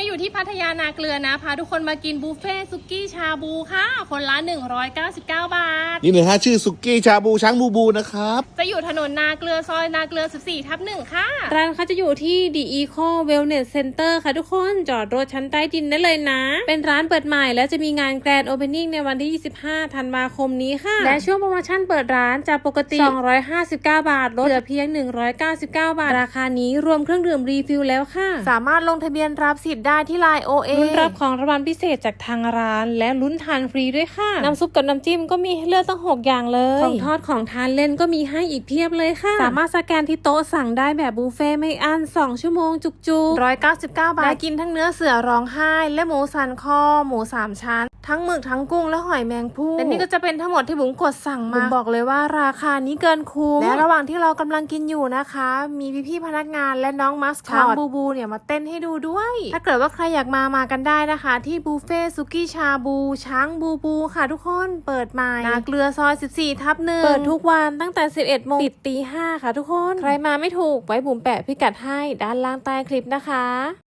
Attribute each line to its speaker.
Speaker 1: อยู่ที่พัทยานาเกลือนะพาทุกคนมากินบุฟเฟ่ซุกี้ชาบูค่ะคนละ199 บาท
Speaker 2: นี่เลยฮะชื่อสุกี้ชาบูช้างบูบูนะครับ
Speaker 1: จะอยู่ถนนนาเกลือซอยนาเกลือ 14/1 ค่ะ
Speaker 3: ร้านเขาจะอยู่ที่ The Eco Wellness Center ค่ะทุกคนจอดรถชั้นใต้ดินได้เลยนะเป็นร้านเปิดใหม่และจะมีงาน Grand Opening ในวันที่ 25 ธันวาคมนี้ค่ะและช่วงโปรโมชั่นเปิดร้านจากปกติ259 บาทลดเหลือเพียง199 บาทราคานี้รวมเครื่องดื่มรีฟิลแล้วค่ะสามารถลงทะเบียนรับสิทธิ์ได้ที่ LINE OA ลุ้นรับของรางวัลพิเศษจากทางร้านและลุ้นทานฟรีด้วยค่ะน้ำซุปกับน้ำจิ้มก็มีให้เลือกตั้ง6อย่างเลยของทอดของทานเล่นก็มีให้อีกเพียบเลยค่ะสามารถสแกนที่โต๊ะสั่งได้แบบบุฟเฟ่ไม่อั้น2 ชั่วโมงจุกๆ199 บาทและกินทั้งเนื้อเสือร้องไห้และหมูสันคอหมู3 ชั้นทั้งหมึกทั้งกุ้งและหอยแมงภู่และนี่ก็จะเป็นทั้งหมดที่บุ๋มกดสั่งมาบุ๋มบอกเลยว่าราคานี้เกินคุ้มและระหว่างที่เรากำลังกินอยู่นะคะมีพี่ๆพนักงานและน้องมัสคอตช้างบูบูเนี่ยมาเต้นให้ดูด้วยถ้าเกิดว่าใครอยากมากันได้นะคะที่บุฟเฟ่ซุกี้ชาบูช้างบูบูค่ะทุกคนเปิดใหม่นาเกลือซอย 14/1เปิดทุกวันตั้งแต่ 11 โมงปิดตี 5ค่ะทุกคนใครมาไม่ถูกไว้บุ๋มแปะพิกัดให้ด้านล่างใต้คลิปนะคะ